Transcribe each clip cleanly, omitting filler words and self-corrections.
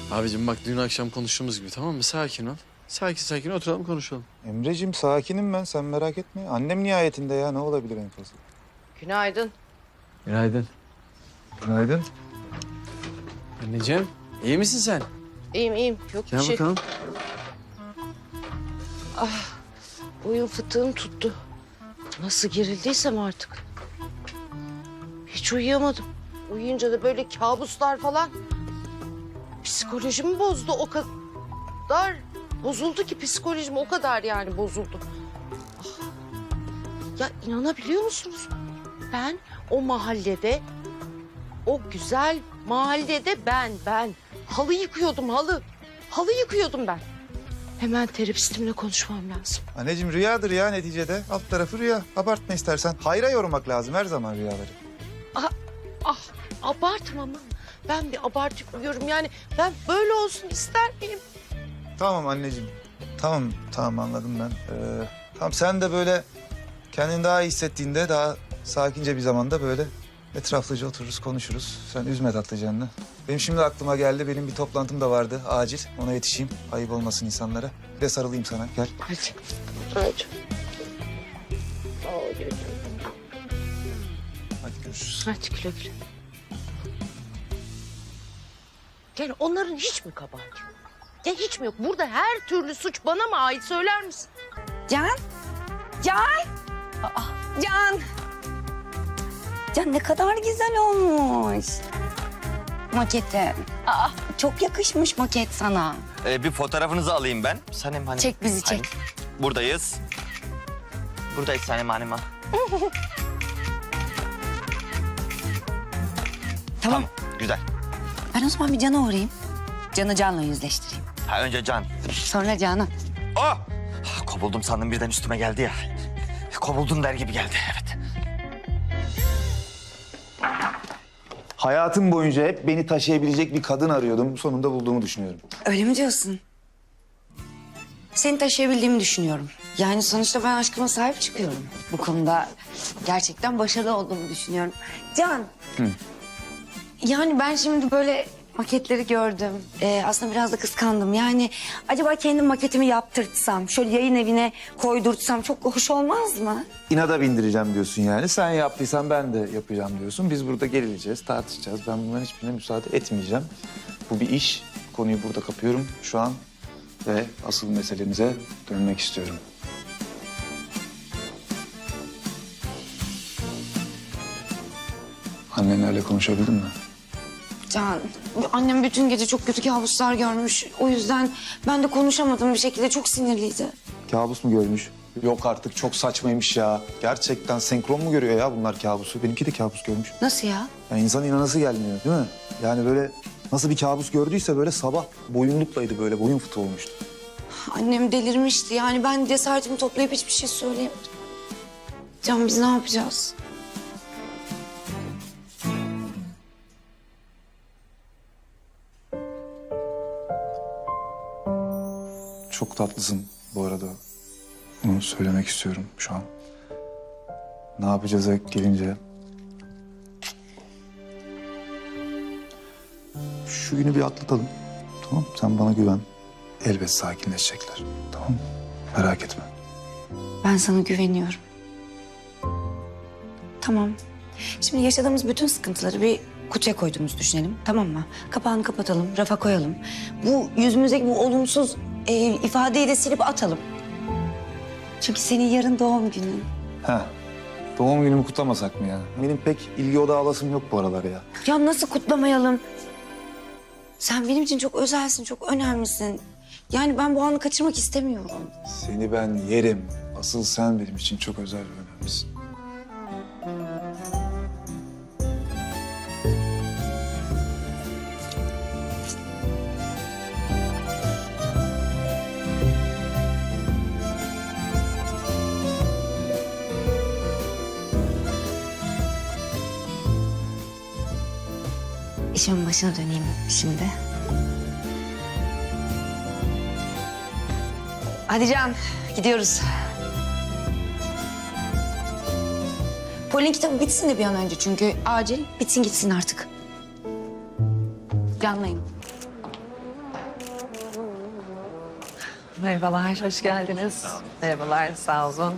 Abicim bak dün akşam konuştuğumuz gibi, tamam mı? Sakin ol. Sakin sakin oturalım konuşalım. Emreciğim sakinim ben, sen merak etme. Annem nihayetinde ya, ne olabilir en fazla? Günaydın. Günaydın. Günaydın. Anneciğim iyi misin sen? İyiyim iyiyim. Yok bir Gel şey. bakalım. Boyun fıtığım tuttu. Nasıl gerildiysem artık. Hiç uyuyamadım. Uyuyunca da böyle kabuslar falan. Psikolojimi bozdu o kadar. Bozuldu ki psikolojim o kadar yani bozuldu. Ah. Ya inanabiliyor musunuz? Ben o mahallede, o güzel mahallede ben halı yıkıyordum halı. Halı yıkıyordum ben. Hemen terapistimle konuşmam lazım. Anneciğim rüyadır ya neticede. Alt tarafı rüya. Abartma istersen. Hayra yormak lazım her zaman rüyaları. Ah abartma ama. Ben bir abartıyorum yani ben böyle olsun ister miyim? Tamam anneciğim. Tamam anladım ben. Tamam sen de böyle kendini daha iyi hissettiğinde daha sakince bir zamanda böyle etraflıca otururuz konuşuruz. Sen üzme tatlı canını. Benim şimdi aklıma geldi. Benim bir toplantım da vardı acil. Ona yetişeyim. Ayıp olmasın insanlara. Bir de sarılayım sana. Gel. Hadi. Hadi. Hadi görüşürüz. Hadi güle güle. Yani onların hiç mi kabahati yok? Ya hiç mi yok? Burada her türlü suç bana mı ait söyler misin? Can? Can! Can ne kadar güzel olmuş. Maketi. Çok yakışmış maket sana. Bir fotoğrafınızı alayım ben. Sanem Hanım. Çek bizi, çek. Buradayız. Buradayız Sanem Hanım. Tamam. Güzel. Ben o zaman bir Can'a uğrayayım. Can'ı Can'la yüzleştireyim. Ha önce Can. Sonra Can'ı. Oh! Kovuldum sandım birden üstüme geldi ya. Kovuldum der gibi geldi evet. Hayatım boyunca hep beni taşıyabilecek bir kadın arıyordum. Sonunda bulduğumu düşünüyorum. Öyle mi diyorsun? Seni taşıyabildiğimi düşünüyorum. Yani sonuçta ben aşkıma sahip çıkıyorum. Bu konuda gerçekten başarılı olduğumu düşünüyorum. Can. Yani ben şimdi böyle maketleri gördüm. Aslında biraz da kıskandım. Yani acaba kendim maketimi yaptırtsam, şöyle yayın evine koydurtsam çok hoş olmaz mı? İnada bindireceğim diyorsun yani. Sen yaptıysan ben de yapacağım diyorsun. Biz burada gerileceğiz, tartışacağız. Ben bunların hiçbirine müsaade etmeyeceğim. Bu bir iş. Konuyu burada kapıyorum şu an. Ve asıl meselemize dönmek istiyorum. Annenlerle konuşabildin mi? Can, annem bütün gece çok kötü kabuslar görmüş. O yüzden ben de konuşamadım bir şekilde. Çok sinirliydi. Kabus mu görmüş? Yok artık çok saçmaymış ya. Gerçekten senkron mu görüyor ya bunlar kabusu? Benimki de kabus görmüş. Nasıl ya? Yani insan inanası gelmiyor değil mi? Yani böyle nasıl bir kabus gördüyse böyle sabah boyunluklaydı böyle boyun fıtığı olmuştu. Annem delirmişti. Yani ben cesaretimi toplayıp hiçbir şey söyleyemedim. Can biz ne yapacağız? Çok tatlısın bu arada. Bunu söylemek istiyorum şu an. Ne yapacağız gelince? Şu günü bir atlatalım. Tamam mı? Sen bana güven. Elbet sakinleşecekler. Tamam mı? Merak etme. Ben sana güveniyorum. Tamam. Şimdi yaşadığımız bütün sıkıntıları bir kutuya koyduğumuzu düşünelim. Tamam mı? Kapağını kapatalım, rafa koyalım. Bu yüzümüzdeki bu olumsuz ifadeyi de silip atalım. Çünkü senin yarın doğum günün. Heh. Doğum günümü kutlamasak mı ya? Benim pek ilgi odağı alasım yok bu aralar ya. Ya nasıl kutlamayalım? Sen benim için çok özelsin, çok önemlisin. Yani ben bu anı kaçırmak istemiyorum. Seni ben yerim. Asıl sen benim için çok özel ve önemlisin. İşimin başına döneyim şimdi. Hadi Can, gidiyoruz. Polin kitabı bitsin de bir an önce çünkü acil. Bitsin gitsin artık. Canlayın. Merhabalar, hoş geldiniz. Merhabalar, sağ olun.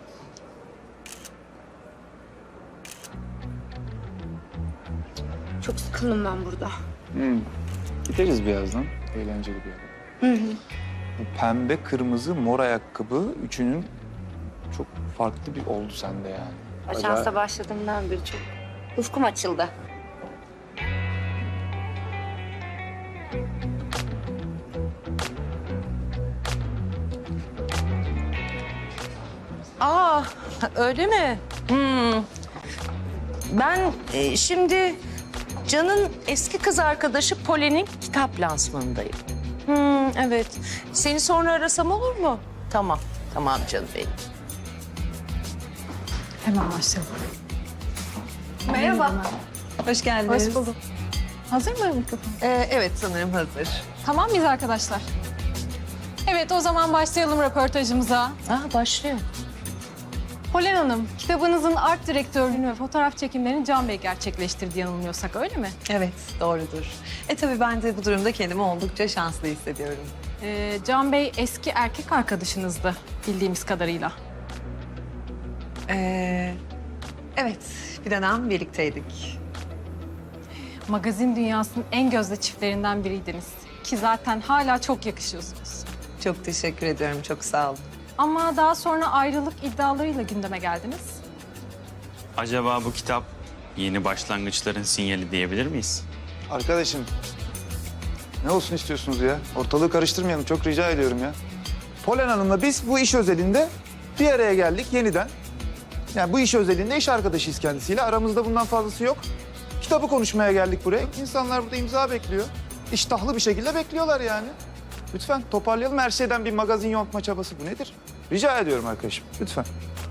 Çok sıkıldım ben burada. Gideriz birazdan. Eğlenceli bir yere. Bu pembe, kırmızı, mor ayakkabı üçünün çok farklı bir oldu sende yani. Ajansa başladığımdan beri çok ufkum açıldı. Aa, öyle mi? Ben şimdi Can'ın eski kız arkadaşı Polen'in kitap lansmanındayım. Evet. Seni sonra arasam olur mu? Tamam, tamam canım benim. Hemen başlayalım. Merhaba. Hoş geldiniz. Hoş bulduk. Hazır mı mikrofon? Evet, sanırım hazır. Tamam mıyız arkadaşlar? Evet, o zaman başlayalım röportajımıza. Başlıyor. Polen Hanım, kitabınızın art direktörlüğünü ve fotoğraf çekimlerini Can Bey gerçekleştirdi yanılmıyorsak, öyle mi? Evet, doğrudur. Tabii ben de bu durumda kendimi oldukça şanslı hissediyorum. Can Bey eski erkek arkadaşınızdı bildiğimiz kadarıyla. Evet, bir dönem birlikteydik. Magazin dünyasının en gözde çiftlerinden biriydiniz. Ki zaten hala çok yakışıyorsunuz. Çok teşekkür ediyorum, çok sağ olun. Ama daha sonra ayrılık iddialarıyla gündeme geldiniz. Acaba bu kitap yeni başlangıçların sinyali diyebilir miyiz? Arkadaşım, ne olsun istiyorsunuz ya? Ortalığı karıştırmayalım, çok rica ediyorum ya. Polen Hanım'la biz bu iş özelinde bir araya geldik yeniden. Yani bu iş özelinde iş arkadaşıyız kendisiyle. Aramızda bundan fazlası yok. Kitabı konuşmaya geldik buraya. İnsanlar burada imza bekliyor. İştahlı bir şekilde bekliyorlar yani. Lütfen toparlayalım. Her şeyden bir magazin yontma çabası bu nedir? Rica ediyorum arkadaşım, lütfen.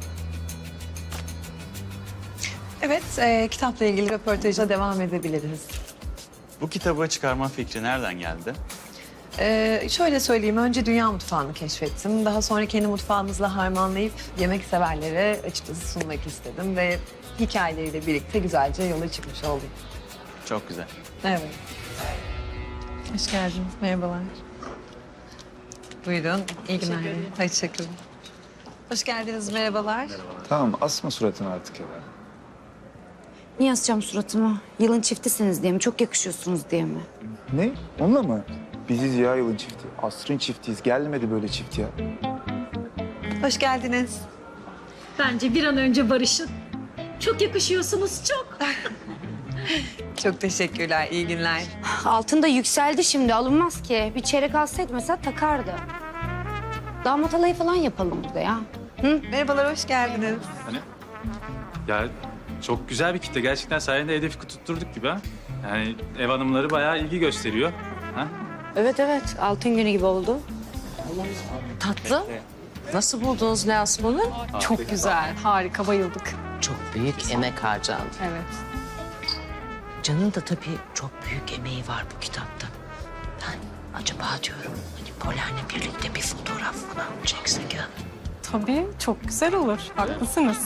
Evet, kitapla ilgili röportaja devam edebiliriz. Bu kitabı çıkarma fikri nereden geldi? Şöyle söyleyeyim, önce dünya mutfağını keşfettim. Daha sonra kendi mutfağımızla harmanlayıp yemek severlere açıkçası sunmak istedim. Ve hikayeleriyle birlikte güzelce yola çıkmış oldum. Çok güzel. Evet. Hoş geldiniz, merhabalar. Buyurun, iyi günler. Hoşçakalın. Hoş geldiniz, merhabalar. Tamam, asma suratını artık ya. Niye asacağım suratımı? Yılın çiftisiniz diye mi? Çok yakışıyorsunuz diye mi? Ne? Onunla mı? Biziz ya yılın çifti. Asrın çiftiyiz. Gelmedi böyle çift ya. Hoş geldiniz. Bence bir an önce barışın. Çok yakışıyorsunuz, çok. Çok teşekkürler, iyi günler. Altın da yükseldi şimdi, alınmaz ki. Bir çeyrek alsaydı mesela takardı. Damat alayı falan yapalım burada ya. Merhabalar, hoş geldiniz. Ya çok güzel bir kitle. Gerçekten sayende hedefi tutturduk gibi ha. Yani ev hanımları bayağı ilgi gösteriyor. Ha? Evet, altın günü gibi oldu. Tatlı. Nasıl buldunuz lansmanı? Çok güzel, harika, bayıldık. Çok büyük emek harcandı. Evet. Can'ın da tabii çok büyük emeği var bu kitapta. Ben acaba diyorum hani Polen'le birlikte bir fotoğraf falan mı çeksek ya? Tabii, çok güzel olur. Haklısınız.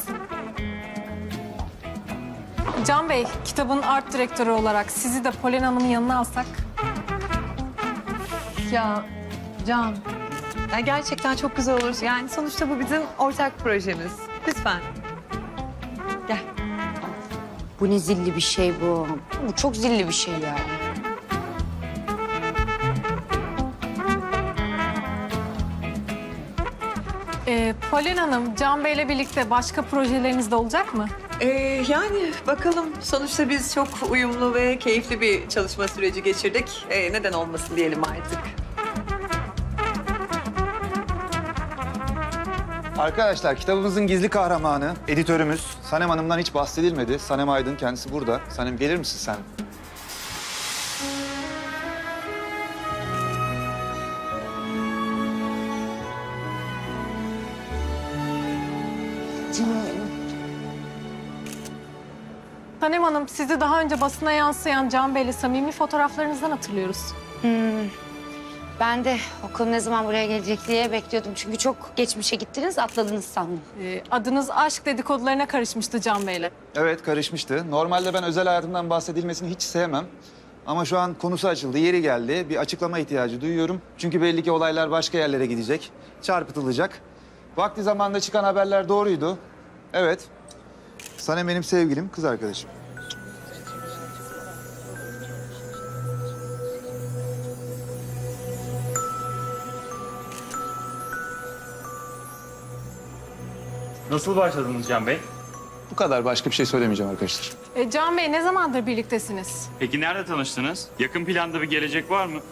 Can Bey, kitabın art direktörü olarak sizi de Polen Hanım'ın yanına alsak. Ya Can, ya gerçekten çok güzel olur. Yani sonuçta bu bizim ortak projemiz. Lütfen. Gel. Bu ne zilli bir şey bu. Bu çok zilli bir şey yani. Polen Hanım, Can Bey'le birlikte başka projeleriniz de olacak mı? Yani bakalım. Sonuçta biz çok uyumlu ve keyifli bir çalışma süreci geçirdik. Neden olmasın diyelim artık. Arkadaşlar kitabımızın gizli kahramanı, editörümüz Sanem Hanım'dan hiç bahsedilmedi. Sanem Aydın kendisi burada. Sanem gelir misin sen? Canım benim. Sanem Hanım, sizi daha önce basına yansıyan Can Bey'le samimi fotoğraflarınızdan hatırlıyoruz. Ben de okul ne zaman buraya gelecek diye bekliyordum. Çünkü çok geçmişe gittiniz, atladınız sandım. Adınız aşk dedikodularına karışmıştı Can Bey'le. Evet karışmıştı. Normalde ben özel hayatımdan bahsedilmesini hiç sevmem. Ama şu an konusu açıldı, yeri geldi. Bir açıklama ihtiyacı duyuyorum. Çünkü belli ki olaylar başka yerlere gidecek, çarpıtılacak. Vakti zamanında çıkan haberler doğruydu. Evet. Sanem benim sevgilim, kız arkadaşım. Nasıl başladınız Can Bey? Bu kadar, başka bir şey söylemeyeceğim arkadaşlar. Can Bey ne zamandır birliktesiniz? Peki nerede tanıştınız? Yakın planda bir gelecek var mı?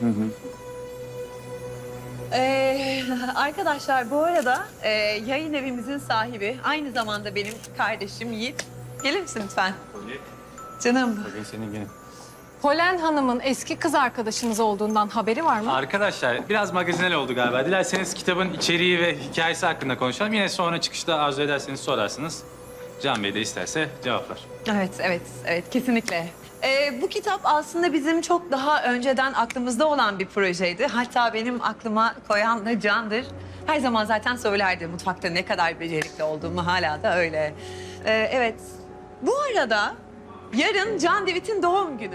Arkadaşlar bu arada yayın evimizin sahibi, aynı zamanda benim kardeşim Yiğit. Gelir misin lütfen? Canım. Bugün senin günün. Polen Hanım'ın eski kız arkadaşınız olduğundan haberi var mı? Arkadaşlar biraz magazinel oldu galiba. Dilerseniz kitabın içeriği ve hikayesi hakkında konuşalım. Yine sonra çıkışta arzu ederseniz sorarsınız. Can Bey de isterse cevaplar. Evet, kesinlikle. Bu kitap aslında bizim çok daha önceden aklımızda olan bir projeydi. Hatta benim aklıma koyan da Can'dır. Her zaman zaten söylerdi mutfakta ne kadar becerikli olduğumu, hala da öyle. Evet, bu arada yarın Can Divit'in doğum günü.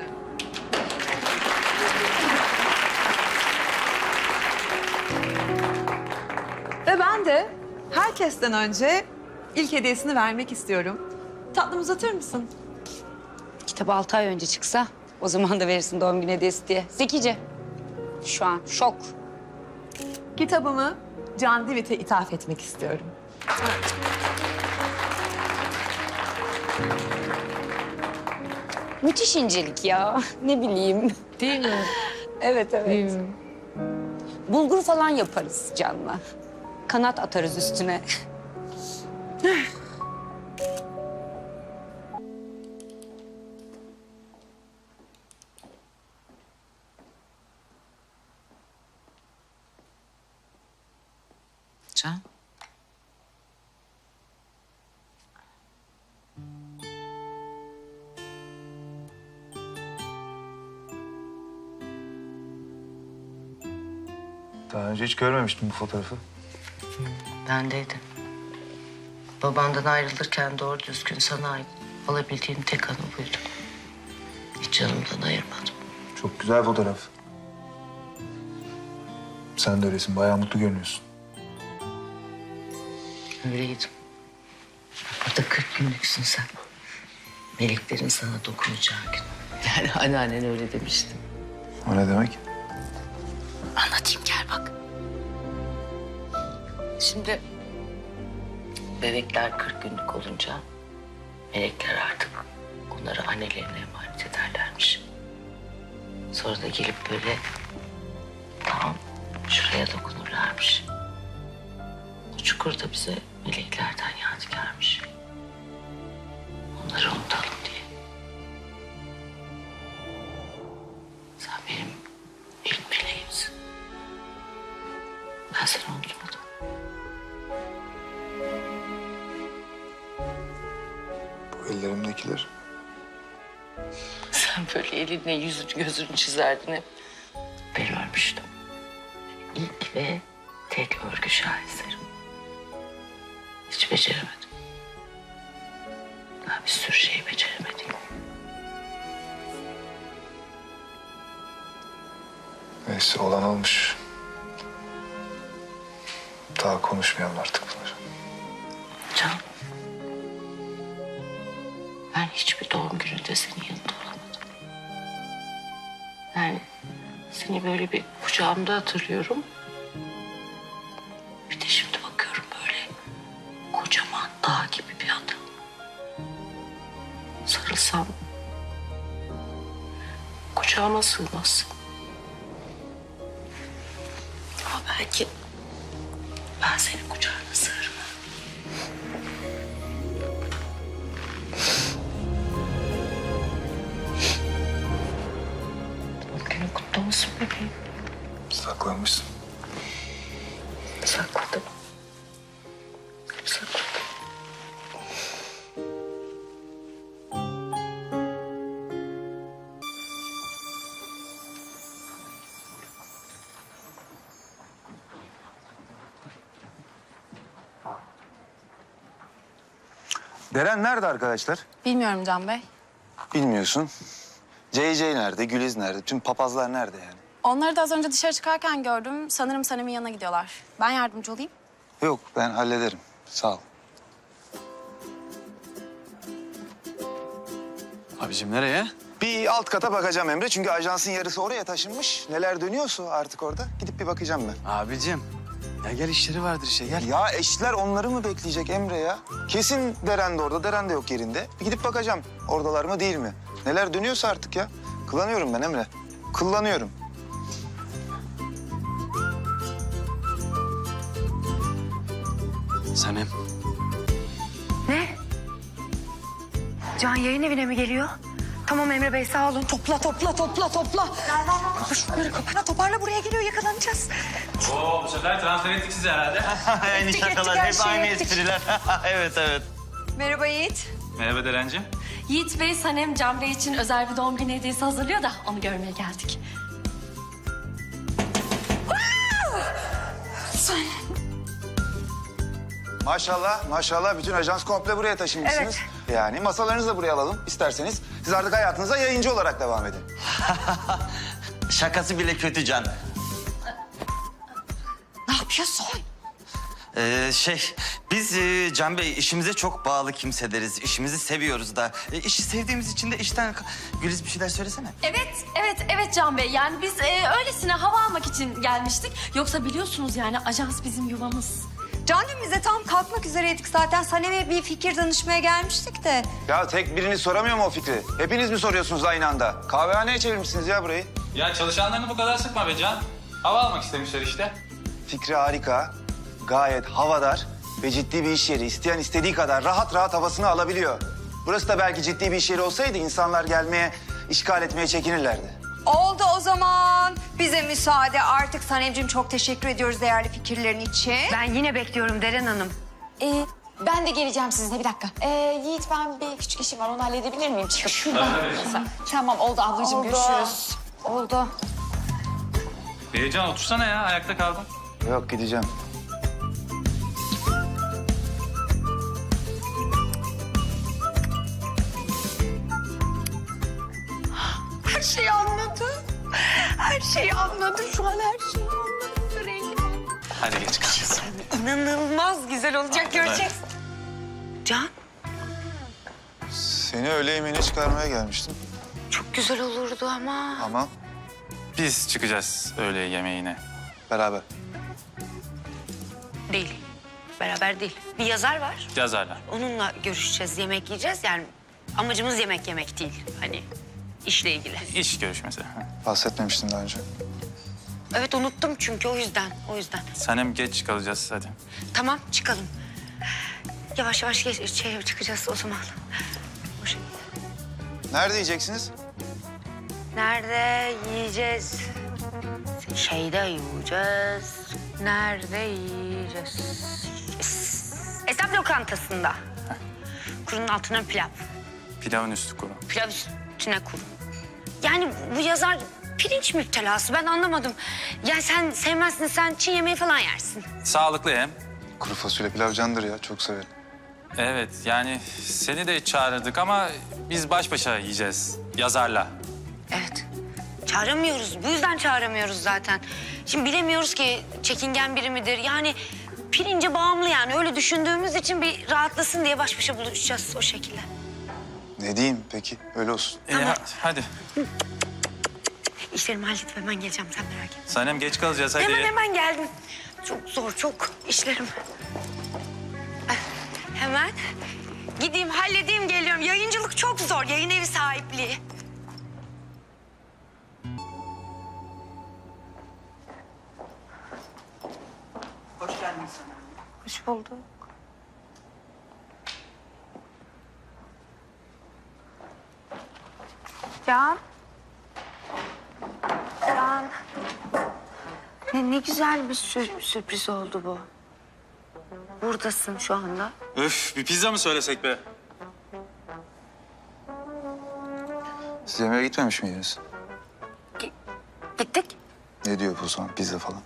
Ve ben de herkesten önce ilk hediyesini vermek istiyorum. Tatlım uzatır mısın? Kitap 6 ay önce çıksa o zaman da verirsin doğum günü hediyesi diye. Zekice. Şu an şok. Kitabımı Can Divit'e ithaf etmek istiyorum. Müthiş incelik ya. Ne bileyim. Değil mi? Evet. Bulgur falan yaparız Can'la. Kanat atarız üstüne. Can. Daha önce hiç görmemiştim bu fotoğrafı. Bendeydi. Babandan ayrılırken doğru düzgün sana ait alabildiğim tek anı buydu. Hiç canımdan ayırmadım. Çok güzel fotoğraf. Sen de öylesin, bayağı mutlu görünüyorsun. Öyleydim. Burada 40 günlüksün sen. Meleklerin sana dokunacağı gün. Yani anneannen öyle demişti. O ne demek? Anlatayım gel bak. Şimdi bebekler 40 günlük olunca melekler artık onları annelerine emanet ederlermiş. Sonra da gelip böyle tam şuraya dokunurlarmış. Bu çukur da bize meleklerden yadigarmış. Onları unutalım diye. Sen benim ilk meleğimsin. Ben seni unutmadım. Bu ellerimdekiler. Sen böyle elinle yüzünü gözünü çizerdin hep. Ben ölmüştüm. İlk ve tek örgü şaheserim. Hiç beceremedim. Daha bir sürü şey beceremedim. Neyse, olan olmuş. Daha konuşmayalım artık bunları. Can. Ben hiçbir doğum gününde senin yanında olamadım. Yani seni böyle bir kucağımda hatırlıyorum. Bir de şimdi bakıyorum böyle kocaman dağ gibi bir adam. Sarılsam kucağıma sığmazsın. Ama belki ben senin kucağına sığarım. Doğum günün kutlu olsun bebeğim. Saklanmışsın. Sakladım. Sakladım. Deren nerede arkadaşlar? Bilmiyorum Can Bey. Bilmiyorsun. JJ nerede, Güliz nerede? Tüm papazlar nerede yani? Onları da az önce dışarı çıkarken gördüm. Sanırım Sanem'in yanına gidiyorlar. Ben yardımcı olayım. Yok, ben hallederim. Sağ ol. Abicim nereye? Bir alt kata bakacağım Emre. Çünkü ajansın yarısı oraya taşınmış. Neler dönüyorsa artık orada. Gidip bir bakacağım ben. Abicim. Ya gel işleri vardır işte gel. Ya eşler onları mı bekleyecek Emre ya? Kesin Deren de orada, Deren de yok yerinde. Bir gidip bakacağım. Oradalar mı değil mi? Neler dönüyorsa artık ya. Kıllanıyorum ben Emre. Kıllanıyorum. Sanem. Ne? Can yayın evine mi geliyor? Tamam Emre Bey sağ olun. Topla. Kapa şunları toparla buraya geliyor yakalanacağız. Oo, bu sefer transfer ettik sizi herhalde. Aynı şakalar, her hep şeyi aynı ettik. espriler. Evet. Merhaba Yiğit. Merhaba Deren'cim. Yiğit Bey, Sanem Can Bey için özel bir doğum günü hediyesi hazırlıyor da onu görmeye geldik. Maşallah bütün ajans komple buraya taşınmışsınız. Yani masalarınızı da buraya alalım isterseniz. Siz artık hayatınıza yayıncı olarak devam edin. Şakası bile kötü Can. Ne yapıyorsun? Biz Can Bey işimize çok bağlı kimseleriz. İşimizi seviyoruz da. İşi sevdiğimiz için de işten... Güliz bir şeyler söylesene. Evet Can Bey. Yani biz öylesine hava almak için gelmiştik. Yoksa biliyorsunuz yani ajans bizim yuvamız. Can'cığım bize tam kalkmak üzereydik zaten. Sanem'e bir fikir danışmaya gelmiştik de. Ya tek biriniz soramıyor mu o fikri? Hepiniz mi soruyorsunuz aynı anda? Kahvehaneye çevirmişsiniz ya burayı. Ya çalışanlarını bu kadar sıkma be Can. Hava almak istemişler işte. Fikri harika, gayet havadar ve ciddi bir iş yeri. İsteyen istediği kadar rahat havasını alabiliyor. Burası da belki ciddi bir iş yeri olsaydı insanlar gelmeye, işgal etmeye çekinirlerdi. Oldu o zaman. Bize müsaade. Artık Sanemciğim çok teşekkür ediyoruz değerli fikirlerin için. Ben yine bekliyorum Deren Hanım. Ben de geleceğim sizinle bir dakika. Yiğit ben bir küçük işim var onu halledebilir miyim? Çıkıp. Tamam oldu ablacığım görüşürüz. Oldu. Can otursana ya ayakta kaldın. Yok gideceğim. Her şeyi anladı. Her şeyi anladı. Şu an her şeyi anladı. Rengi. Hadi geç kalacağız. İnanılmaz güzel olacak göreceksin. Can Seni öğle yemeğine çıkarmaya gelmiştim çok güzel olurdu ama. ama Biz çıkacağız öğle yemeğine. beraber. Değil. Beraber değil. Bir yazar var. Yazarlar. Onunla görüşeceğiz, yemek yiyeceğiz. Yani amacımız yemek yemek değil. Hani işle ilgili. İş görüşmesi. Bahsetmemiştin daha önce. Evet unuttum çünkü o yüzden. Sanem geç kalacağız hadi. Tamam çıkalım. Yavaş yavaş çıkacağız o zaman. O şekilde. Nerede yiyeceksiniz? Nerede yiyeceğiz? Şeyde yiyeceğiz. Nerede yiyeceğiz? Esnaf lokantasında. Kurunun altına pilav. Pilavın üstü kuru. Pilav üstüne kuru. Yani bu yazar pirinç müptelası. Ben anlamadım. Ya sen sevmezsin, sen Çin yemeği falan yersin. Sağlıklı hem. Kuru fasulye pilav candır ya, çok severim. Evet yani seni de çağırdık ama biz baş başa yiyeceğiz yazarla. Evet. Çağıramıyoruz. Bu yüzden çağıramıyoruz zaten. Şimdi bilemiyoruz ki çekingen biri midir? Yani pirince bağımlı yani. Öyle düşündüğümüz için bir rahatlasın diye baş başa buluşacağız o şekilde. Ne diyeyim peki, öyle olsun. Hadi. İşlerimi halledip hemen geleceğim. Sen merak etme. Sanem geç kalacağız hadi. Hemen geldim. Çok zor, çok işlerim. Hemen gideyim, halledeyim, geliyorum. Yayıncılık çok zor. Yayın evi sahipliği. Hoş geldin sana. Hoş bulduk. Can. Ne güzel bir sürpriz oldu bu. Buradasın şu anda. Öf bir pizza mı söylesek be? Siz yemeğe gitmemiş miydiniz? Gittik. Ne diyor bu zaman, pizza falan?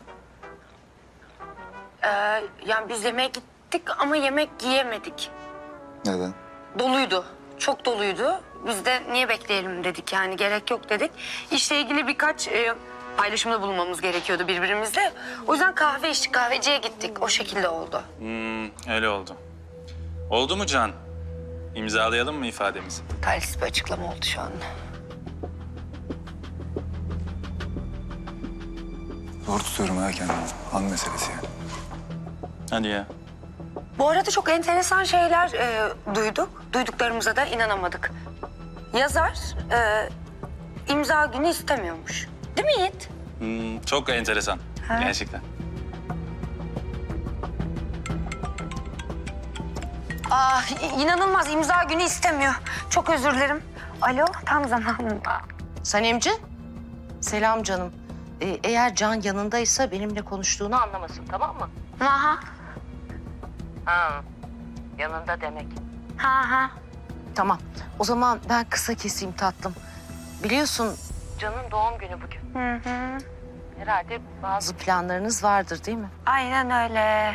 Yani biz yemeğe gittik ama yemek yiyemedik. Neden? Doluydu. Çok doluydu. Biz de niye bekleyelim dedik, yani gerek yok dedik. İşle ilgili birkaç paylaşımda bulunmamız gerekiyordu birbirimizle. O yüzden kahve içtik, kahveciye gittik. O şekilde oldu. Öyle oldu. Oldu mu Can? İmzalayalım mı ifademizi? Talihsiz bir açıklama oldu şu anda. Zor tutuyorum ha kendimi. An meselesi yani. Hadi ya. Bu arada çok enteresan şeyler duyduk. Duyduklarımıza da inanamadık. Yazar imza günü istemiyormuş. Değil mi Yiğit? Çok enteresan. Ha. Gerçekten. İnanılmaz, imza günü istemiyor. Çok özür dilerim. Alo, tam zamanında. Sanemci, selam canım. Eğer Can yanındaysa benimle konuştuğunu anlamasın, tamam mı? Aha. Ha, yanında demek. Ha. Tamam, o zaman ben kısa keseyim tatlım. Biliyorsun Can'ın doğum günü bugün. Hı. Herhalde bazı planlarınız vardır değil mi? Aynen öyle.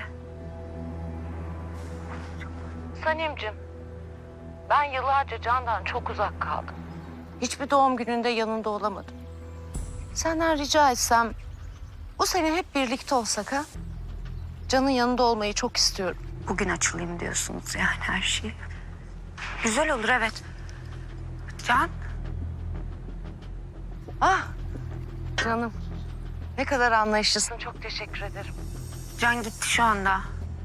Sanemciğim, ben yıllarca Can'dan çok uzak kaldım. Hiçbir doğum gününde yanında olamadım. Senden rica etsem bu sene hep birlikte olsak ha? Can'ın yanında olmayı çok istiyorum. Bugün açılayım diyorsunuz yani her şey. Güzel olur, evet. Can? Ah, canım. Ne kadar anlayışlısın. Çok teşekkür ederim. Can gitti şu anda.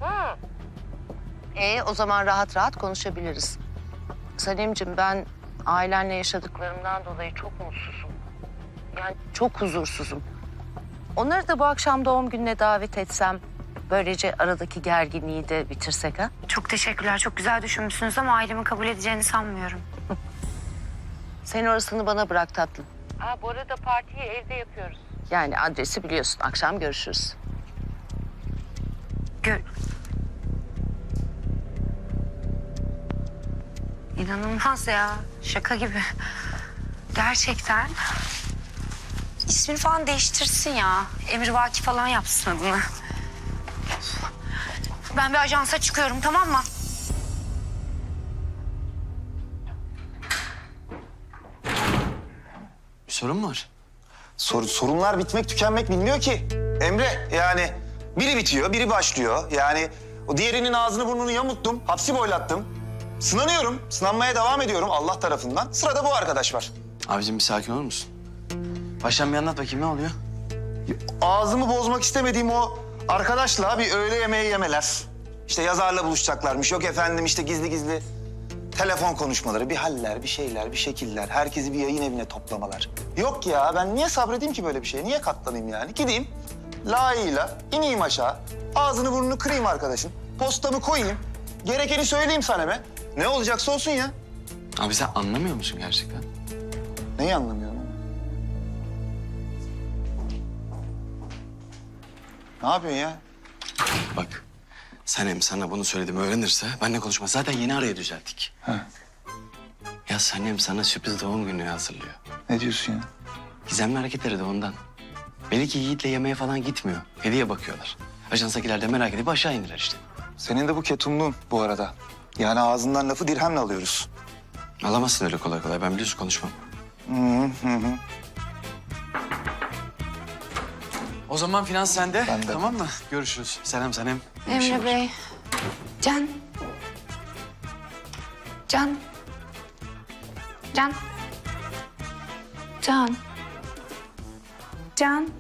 O zaman rahat rahat konuşabiliriz. Sanemciğim, ben ailenle yaşadıklarımdan dolayı çok mutsuzum. Yani çok huzursuzum. Onları da bu akşam doğum gününe davet etsem... böylece aradaki gerginliği de bitirsek ha? Çok teşekkürler, çok güzel düşünmüşsünüz ama ailemin kabul edeceğini sanmıyorum. Sen orasını bana bırak tatlım. Bu arada partiyi evde yapıyoruz. Yani adresi biliyorsun. Akşam görüşürüz. İnanılmaz ya, şaka gibi. Gerçekten. İsmini falan değiştirsin ya. Emrivaki falan yapsın adını. Ben bir ajansa çıkıyorum, tamam mı? Bir sorun mu var? Sorunlar bitmek tükenmek bilmiyor ki. Emre yani biri bitiyor, biri başlıyor. Yani o diğerinin ağzını burnunu yamulttum, hapsi boylattım. Sınanıyorum, sınanmaya devam ediyorum Allah tarafından. Sırada bu arkadaş var. Abicim bir sakin olur musun? Baştan bir anlat bakayım, ne oluyor? Ağzımı bozmak istemediğim o arkadaşla bir öğle yemeği yemeler. İşte yazarla buluşacaklarmış. Yok efendim işte gizli gizli telefon konuşmaları, bir haller, bir şeyler, bir şekiller. Herkesi bir yayın evine toplamalar. Yok ya, ben niye sabredeyim ki böyle bir şeye? Niye katlanayım yani? Gideyim layığıyla ineyim aşağı. Ağzını burnunu kırayım arkadaşın. Postamı koyayım. Gerekeni söyleyeyim Sanem'e. Ne olacaksa olsun ya. Abi sen anlamıyor musun gerçekten? Neyi anlamıyorum? Ne yapıyorsun ya? Bak, Sanem sana bunu söylediğimi öğrenirse benimle konuşma. Zaten yeni araya düzelttik. Ha. Ya Sanem sana sürpriz doğum günü hazırlıyor. Ne diyorsun ya? Gizemli hareketleri de ondan. Belli ki Yiğit'le yemeğe falan gitmiyor. Hediye bakıyorlar. Ajansakiler de merak edip aşağı indiler işte. Senin de bu ketumluğun bu arada. Yani ağzından lafı dirhemle alıyoruz. Alamazsın öyle kolay kolay. Ben biliyorsun konuşmam. Hı. O zaman finans sende. Bende. Tamam mı? Görüşürüz. Selam Sanem. Emre Bey. Can. Can. Can. Can. Can.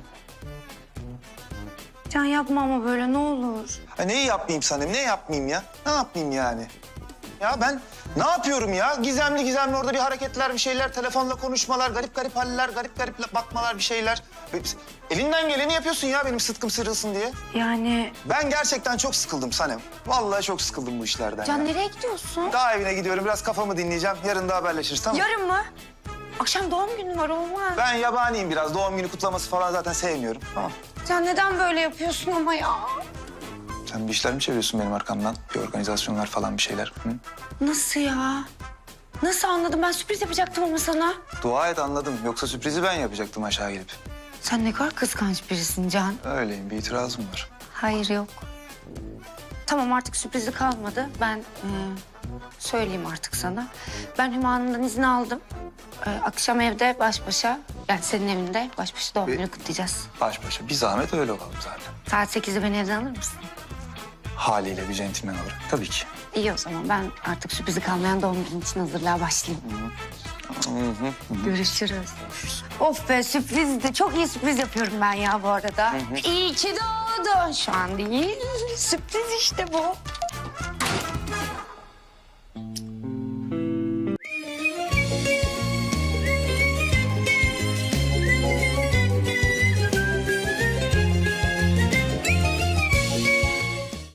Can yapma ama böyle, ne olur. Ha, neyi yapmayayım Sanem? Ne yapmayayım ya? Ne yapmayayım yani? Ya ben ne yapıyorum ya? Gizemli gizemli orada bir hareketler, bir şeyler, telefonla konuşmalar, garip garip haller, garip garip bakmalar, bir şeyler. Elinden geleni yapıyorsun ya benim sıtkım sırılsın diye. Yani Ben gerçekten çok sıkıldım Sanem. Vallahi çok sıkıldım bu işlerden Can ya. nereye gidiyorsun? Daha evine gidiyorum, biraz kafamı dinleyeceğim. Yarın da haberleşiriz, tamam mı? Yarın mı? Akşam doğum günün var, olmaz. Ben yabaniyim biraz. Doğum günü kutlaması falan zaten sevmiyorum. Tamam. Can neden böyle yapıyorsun ama ya? Sen bir işler mi çeviriyorsun benim arkamdan? Bir organizasyonlar falan bir şeyler. Hı? Nasıl ya? Nasıl anladım? Ben sürpriz yapacaktım ama sana. Dua et anladım. Yoksa sürprizi ben yapacaktım aşağı gelip. Sen ne kadar kıskanç birisin Can. Öyleyim, bir itirazım var. Hayır, yok. Tamam, artık sürprizi kalmadı. Ben söyleyeyim artık sana. Ben Hüma Hanım'dan izin aldım. Akşam evde baş başa, yani senin evinde baş başa doğum günü kutlayacağız. Baş başa. Bir zahmet öyle olalım zaten. Saat 8'de beni evden alır mısın? Haliyle bir centilmen olarak. Tabii ki. İyi o zaman ben artık sürprizi kalmayan doğum günü için hazırlığa başlayayım. Görüşürüz. Of be sürprizdi. Çok iyi sürpriz yapıyorum ben ya bu arada. İyi ki doğdun. Şu an değil. Sürpriz işte bu.